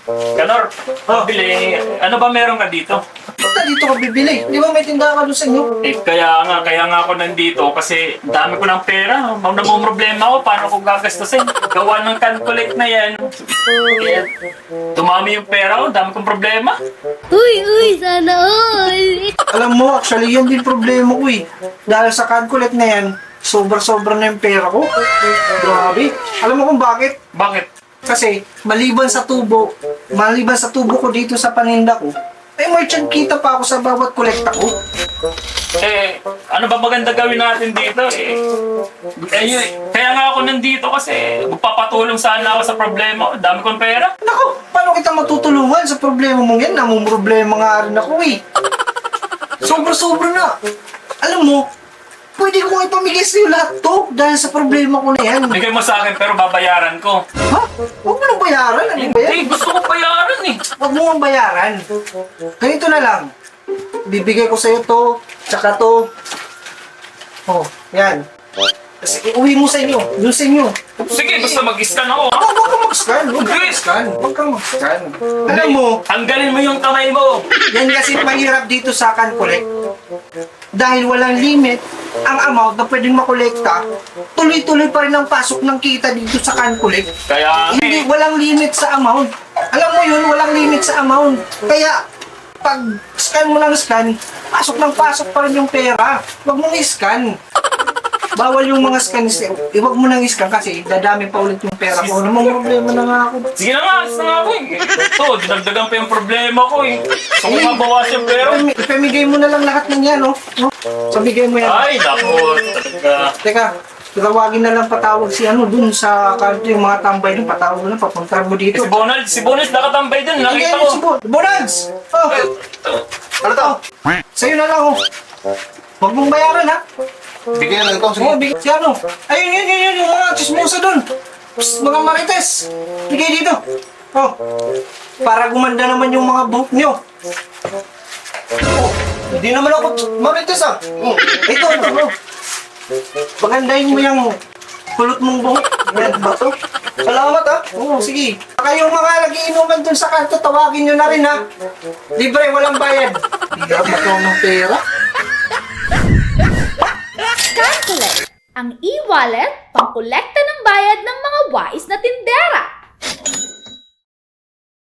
Kanor, bili, ano ba meron ka dito? Ba't dito ka bibili? Di ba may tindahan ka doon sa inyo? Kaya nga ako nandito kasi dami ko ng pera. Namumroblema ako paano ko gagastusin. Gawa ng calculate na yan. Kaya, dumami yung pera ko, dami kong problema. Uy, sana all! Alam mo, actually, yan din problema ko eh. Dahil sa calculate na yan, sobra-sobra na yung pera ko. Grabe. Alam mo kung bakit? Bakit? Kasi, maliban sa tubo ko dito sa paninda ko, ay merchant kita pa ako sa bawat kolekta ko. Ano ba maganda gawin natin dito? Kaya nga ako nandito kasi magpapatulong sana ako sa problema ko. Dami kong pera. Naku, paano kita matutulungan sa problema mong yan? Namumroblema nga rin ako eh. Sobra-sobra na. Alam mo, pwede ko nga ipamigay sa'yo lahat to dahil sa problema ko na yan. Bigay mo sa akin pero babayaran ko. Ha? Huwag mo nang bayaran. Ano ba yan? Hindi, gusto ko bayaran eh. Huwag mo nang bayaran. Ganito na lang. Bibigay ko sa'yo to, tsaka to. Oh, yan. Kasi iuwi mo sa inyo. Doon sa inyo. Sige, basta mag-scan ako. Ha? Huwag kang mag-scan. Huwag kang Hindi. mag-scan. Huwag kang mag-scan. Alam mo, Tanggalin mo yung kamay mo. yan kasi mahirap dito sa CanCollect. Dahil walang limit ang amount na pwedeng makolekta, tuloy-tuloy pa rin ang pasok ng kita dito sa CanCollect. Kaya Hindi, walang limit sa amount. Alam mo yun, walang limit sa amount. Kaya, pag scan mo ng scan, pasok ng pasok pa rin yung pera. Huwag mong i-scan. Bawal yung mga scan. Huwag mo nang i-scan kasi dadami pa ulit yung pera ko. Ano mong problema na nga ako? sige na nga, alis na nga ako eh. Ito, dinagdagan pa yung problema ko eh. Gusto ko mabawas yung pera. Ipamigay mo na lang lahat ng yan, oh. Pamigay mo yan. Ay, naku, talaga. Teka, tawagin na lang patawag si ano dun sa kanto yung mga tambay dun. Patawag mo lang, papunta mo dito. Si Bonald nakatambay dun, nakita Hindi, ko. Bonads! Oh! Ano to? Sa'yo na lang, oh. Huwag mong bayaran, ha? Bigyan lang ito. Sige. Oo, bigay si ano. Ayun, yun, yung mga chismosa dun. Psst, mga marites. Bigay dito. Oh. Para gumanda naman yung mga buhok nyo. Oh, hindi naman ako marites ah. Ito. Oh. Pagandahin mo yung kulot mong buhok. Yan, ba to? Salamat ah. Oo, sige. Kayong mga nagiinuman dun sa kanto, tawagin nyo na rin ha. Libre, walang bayad. Bigyan mo ko ng pera. CanCollect, ang e-wallet pangkolekta ng bayad ng mga wais na tindera.